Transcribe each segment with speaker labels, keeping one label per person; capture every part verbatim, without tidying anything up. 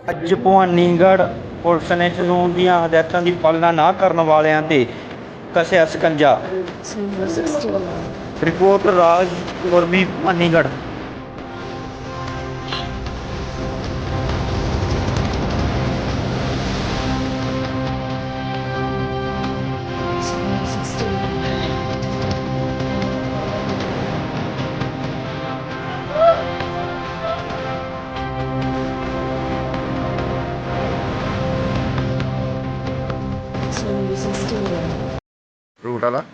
Speaker 1: ਅੱਜ ਭਵਾਨੀਗੜ੍ਹ ਪੁਲਿਸ ਨੇ ਕਾਨੂੰਨ ਦੀਆਂ ਹਦਾਇਤਾਂ ਦੀ ਪਾਲਣਾ ਨਾ ਕਰਨ ਵਾਲਿਆਂ 'ਤੇ ਕੱਸਿਆ ਸਕੰਜਾ। ਰਿਪੋਰਟ ਰਾਜ ਗੁਰਮੀ ਭਵਾਨੀਗੜ੍ਹ।
Speaker 2: ਫਰੂਟ ਵਾਲਾ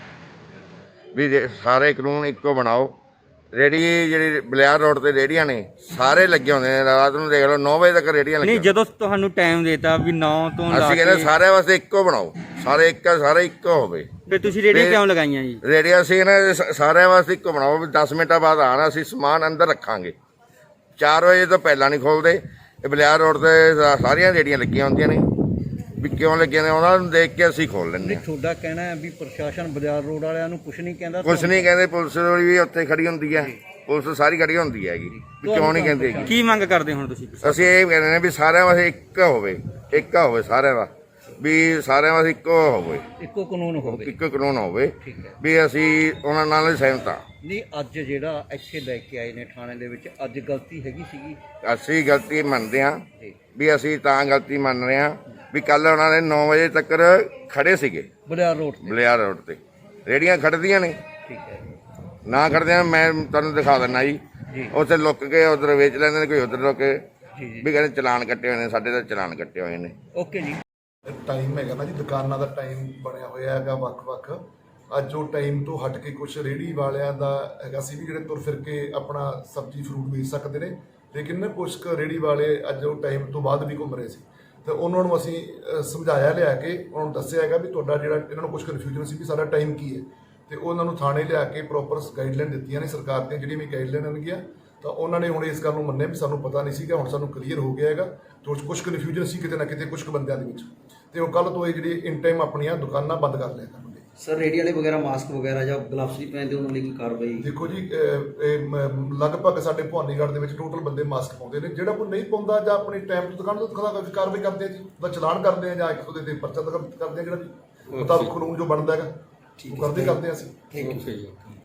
Speaker 2: ਵੀ ਜੇ ਸਾਰੇ ਕਾਨੂੰਨ ਇੱਕੋ ਬਣਾਓ। ਰੇਹੜੀ ਜਿਹੜੀ ਬਲਿਆਰ ਰੋਡ ਤੇ ਰੇਹੜੀਆਂ ਨੇ ਸਾਰੇ ਲੱਗੇ ਹੁੰਦੇ ਨੇ, ਰਾਤ ਨੂੰ ਦੇਖ ਲਓ ਨੌ ਵਜੇ ਤੱਕ ਰੇਹੜੀਆਂ
Speaker 1: ਨਹੀਂ,
Speaker 2: ਲੱਗੀਆਂ।
Speaker 1: ਜਦੋਂ ਤੁਹਾਨੂੰ ਟਾਈਮ ਦੇਤਾ ਵੀ ਨੌ ਤੋਂ ਲਾ
Speaker 2: ਅਸੀਂ
Speaker 1: ਕੇ
Speaker 2: ਕਹਿੰਦੇ ਸਾਰਿਆਂ ਵਾਸਤੇ ਇੱਕੋ ਬਣਾਓ, ਸਾਰੇ ਇੱਕ ਸਾਰੇ ਇੱਕੋ ਹੋਵੇ।
Speaker 1: ਫਿਰ ਤੁਸੀਂ ਰੇਹੜੀਆਂ
Speaker 2: ਤੇ-
Speaker 1: ਕਿਉਂ ਲਗਾਈਆਂ ਜੀ?
Speaker 2: ਰੇਹੜੀਆਂ ਅਸੀਂ ਨਾ ਸ- ਸਾਰਿਆਂ ਵਾਸਤੇ ਇੱਕੋ ਬਣਾਓ ਵੀ ਦਸ ਮਿੰਟਾਂ ਬਾਅਦ ਆਣਾ, ਅਸੀਂ ਸਮਾਨ ਅੰਦਰ ਰੱਖਾਂਗੇ। ਚਾਰ ਵਜੇ ਤੋਂ ਪਹਿਲਾਂ ਨਹੀਂ ਖੋਲਦੇ। ਇਹ ਬਲਿਆਰ ਰੋਡ ਤੇ ਸਾ- ਸਾਰੀਆਂ ਰੇਹੜੀਆਂ ਲੱਗੀਆਂ ਹੁੰਦੀਆਂ ਨੇ, ਵੀ ਕਿਉਂ ਲੱਗੀਆਂ ਨੇ ਉਹਨਾਂ ਨੂੰ ਦੇਖ ਕੇ ਅਸੀਂ ਖੋਲ ਲੈਂਦੇ ਹਾਂ।
Speaker 3: ਤੁਹਾਡਾ ਕਹਿਣਾ ਹੈ ਵੀ ਪ੍ਰਸ਼ਾਸਨ ਬਾਜ਼ਾਰ ਰੋਡ ਵਾਲਿਆਂ ਨੂੰ ਕੁਝ ਨਹੀਂ ਕਹਿੰਦਾ?
Speaker 2: ਕੁਛ ਨਹੀਂ ਕਹਿੰਦੇ, ਪੁਲਿਸ ਵੀ ਉੱਥੇ ਖੜੀ ਹੁੰਦੀ ਹੈ, ਪੁਲਿਸ ਸਾਰੀ ਖੜੀ ਹੁੰਦੀ ਹੈਗੀ, ਵੀ ਕਿਉਂ ਨਹੀਂ ਕਹਿੰਦੇ ਹੈਗੀ।
Speaker 1: ਕੀ ਮੰਗ ਕਰਦੇ ਹੁਣ ਤੁਸੀਂ?
Speaker 2: ਅਸੀਂ ਇਹ ਕਹਿੰਦੇ ਨੇ ਵੀ ਸਾਰਿਆਂ ਵਾਸਤੇ ਇੱਕ ਹੋਵੇ, ਇੱਕ ਹੋਵੇ ਸਾਰਿਆਂ ਦਾ, ਵੀ ਸਾਰਿਆਂ ਵਾਸਤੇ ਇੱਕੋ ਹੋਵੇ,
Speaker 3: ਇੱਕੋ ਕਾਨੂੰਨ ਹੋਵੇ।
Speaker 2: ਇੱਕੋ ਕਾਨੂੰਨ ਹੋਵੇ,
Speaker 3: ਠੀਕ ਹੈ।
Speaker 2: ਵੀ ਅਸੀਂ ਉਹਨਾਂ ਨਾਲ ਸਹਿਮਤ ਹਾਂ।
Speaker 3: ਨਹੀਂ, ਅੱਜ ਜਿਹੜਾ ਇੱਥੇ ਲੈ ਕੇ ਆਏ ਨੇ ਥਾਣੇ ਦੇ ਵਿੱਚ, ਅੱਜ ਗਲਤੀ ਹੈਗੀ ਸੀਗੀ?
Speaker 2: ਅਸੀਂ ਗਲਤੀ ਮੰਨਦੇ ਹਾਂ,
Speaker 3: ਜੀ।
Speaker 2: ਵੀ ਅਸੀਂ ਤਾਂ ਗਲਤੀ ਮੰਨ ਰਹੇ ਹਾਂ ਵੀ ਕੱਲ ਉਹਨਾਂ ਨੇ ਨੌ ਵਜੇ ਤੱਕ ਖੜੇ ਸੀਗੇ
Speaker 3: ਬਾਜ਼ਾਰ ਰੋਡ ਤੇ?
Speaker 2: ਬਲਿਆਰ ਰੋਡ ਤੇ ਰੇਹੜੀਆਂ ਖੜਦੀਆਂ ਨੇ,
Speaker 3: ਠੀਕ ਹੈ
Speaker 2: ਨਾ ਖੜਦਿਆਂ ਮੈਂ ਤੁਹਾਨੂੰ ਦਿਖਾ ਦਿੰਦਾ ਜੀ।
Speaker 3: ਜੀ।
Speaker 2: ਉੱਥੇ ਲੁੱਕ ਕੇ ਉਧਰ ਵੇਚ ਲੈਂਦੇ ਨੇ, ਕੋਈ ਉਧਰ ਲੁੱਕ ਕੇ
Speaker 3: ਜੀ ਜੀ
Speaker 2: ਵੀ ਕਹਿੰਦੇ ਚਲਾਨ ਕੱਟੇ ਹੋਏ ਨੇ, ਸਾਡੇ ਤਾਂ ਚਲਾਨ ਕੱਟੇ ਹੋਏ ਨੇ।
Speaker 3: ਓਕੇ ਜੀ।
Speaker 4: ਟਾਈਮ ਹੈਗਾ ਨਾ ਜੀ, ਦੁਕਾਨਾਂ ਦਾ ਟਾਈਮ ਬਣਿਆ ਹੋਇਆ ਹੈਗਾ ਵੱਖ-ਵੱਖ। ਅੱਜ ਉਹ ਟਾਈਮ ਤੋਂ ਹਟ ਕੇ ਕੁਝ ਰੇਹੜੀ ਵਾਲਿਆਂ ਦਾ ਹੈਗਾ ਸੀ ਵੀ ਜਿਹੜੇ ਤੁਰ ਫਿਰ ਕੇ ਆਪਣਾ ਸਬਜ਼ੀ ਫਰੂਟ ਵੇਚ ਸਕਦੇ ਨੇ, ਲੇਕਿਨ ਕੁਝ ਕੁ ਰੇਹੜੀ ਵਾਲੇ ਅੱਜ ਉਹ ਟਾਈਮ ਤੋਂ ਬਾਅਦ ਵੀ ਘੁੰਮ ਰਹੇ ਸੀ। ਤੇ ਉਹਨਾਂ ਨੂੰ ਅਸੀਂ ਅ, ਸਮਝਾਇਆ ਲਿਆ ਕੇ ਉਹਨਾਂ ਨੂੰ ਦੱਸਿਆ ਹੈਗਾ ਵੀ ਤੁਹਾਡਾ ਜਿਹੜਾ ਇਹਨਾਂ ਨੂੰ ਕੁਝ ਕਨਫਿਊਜ਼ਨ ਸੀ ਵੀ ਸਾਡਾ ਟਾਈਮ ਕੀ ਹੈ, ਤੇ ਉਹਨਾਂ ਨੂੰ ਥਾਣੇ ਲਿਆ ਕੇ ਪ੍ਰੋਪਰ ਗਾਈਡਲਾਈਨ ਦਿੱਤੀਆਂ ਨੇ ਸਰਕਾਰ ਦੀਆਂ, ਜਿਹੜੀਆਂ ਵੀ ਗਾਈਡਲਾਈਨ ਹੋਣਗੀਆਂ। ਤਾਂ ਉਹਨਾਂ ਨੇ ਹੁਣ ਇਸ ਗੱਲ ਨੂੰ ਮੰਨਿਆ ਵੀ ਸਾਨੂੰ ਪਤਾ ਨਹੀਂ ਸੀਗਾ, ਹੁਣ ਸਾਨੂੰ ਕਲੀਅਰ ਹੋ ਗਿਆ ਹੈਗਾ। ਤੇ ਕੁਝ ਕਨਫਿਊਜ਼ਨ ਸੀ ਕਿਤੇ ਨਾ ਕਿਤੇ ਕੁਝ ਕੁ ਬੰਦਿਆਂ ਦੇ ਵਿੱਚ, ਤੇ ਉਹ ਕੱਲ ਤੋਂ ਇਹ ਜਿਹੜੀ ਇਨ ਟਾਈਮ ਆਪਣੀਆਂ ਦੁਕਾਨਾਂ ਬੰਦ ਕਰ ਲਿਆ ਕਰਨਗੇ।
Speaker 5: ਸਰ ਰੇਹੜੀ ਵਾਲੇ ਵਗੈਰਾ ਮਾਸਕ ਵਗੈਰਾ ਜਾਂ ਗਲਵਸ ਨਹੀਂ ਪਹਿਨਦੇ, ਉਹਨਾਂ ਲਈ ਕੋਈ ਕਾਰਵਾਈ?
Speaker 4: ਦੇਖੋ ਜੀ, ਅਹ, ਇਹ ਮ- ਲਗਭਗ ਸਾਡੇ ਭਵਾਨੀਗੜ੍ਹ ਦੇ ਵਿੱਚ ਟੋਟਲ ਬੰਦੇ ਮਾਸਕ ਪਾਉਂਦੇ ਨੇ। ਜਿਹੜਾ ਕੋਈ ਨਹੀਂ ਪਾਉਂਦਾ ਜਾਂ ਆਪਣੀ ਟਾਈਮ ਤੋਂ ਦੁਕਾਨ ਤੋਂ ਖਲਾ ਕਾਰਵਾਈ ਕਰਦੇ ਆ ਜੀ, ਉਹਦਾ ਚਲਾਨ ਕਰਦੇ ਆ ਜਾਂ ਇੱਕ ਉਹਦੇ ਤੇ ਪਰਚਾ ਦਰਜ ਕਰਦੇ ਆ, ਜਿਹੜਾ ਵੀ ਮੁਤਾਬਕ ਕਾਨੂੰਨ ਜੋ ਬਣਦਾ ਹੈਗਾ ਉਹ ਕਰਦੇ ਕਰਦੇ ਆ ਅਸੀਂ।
Speaker 5: Thank you.